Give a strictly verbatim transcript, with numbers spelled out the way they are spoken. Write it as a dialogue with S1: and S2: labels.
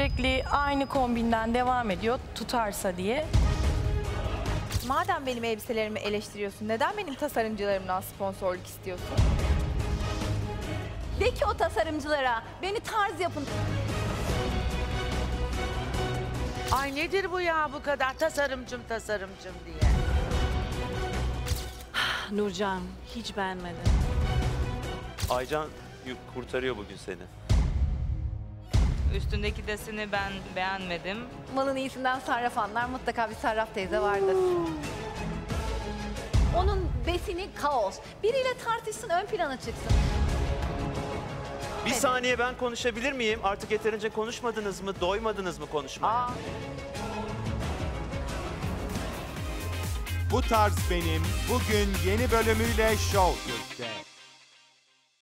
S1: sürekli aynı kombinden devam ediyor tutarsa diye.
S2: Madem benim elbiselerimi eleştiriyorsun, neden benim tasarımcılarımdan sponsorluk istiyorsun?
S3: De ki o tasarımcılara beni tarz yapın.
S4: Ay nedir bu ya bu kadar tasarımcım tasarımcım diye.
S5: Nurcan hiç beğenmedim.
S6: Aycan kurtarıyor bugün seni.
S7: Üstündeki deseni ben beğenmedim.
S3: Malın iyisinden sarraf anlar, mutlaka bir sarraf teyze vardır. Onun besini kaos. Biriyle tartışsın, ön plana çıksın.
S6: Bir saniye ben konuşabilir miyim? Artık yeterince konuşmadınız mı? Doymadınız mı konuşmaya?
S3: Aa.
S8: Bu tarz benim bugün yeni bölümüyle Show Türk'te.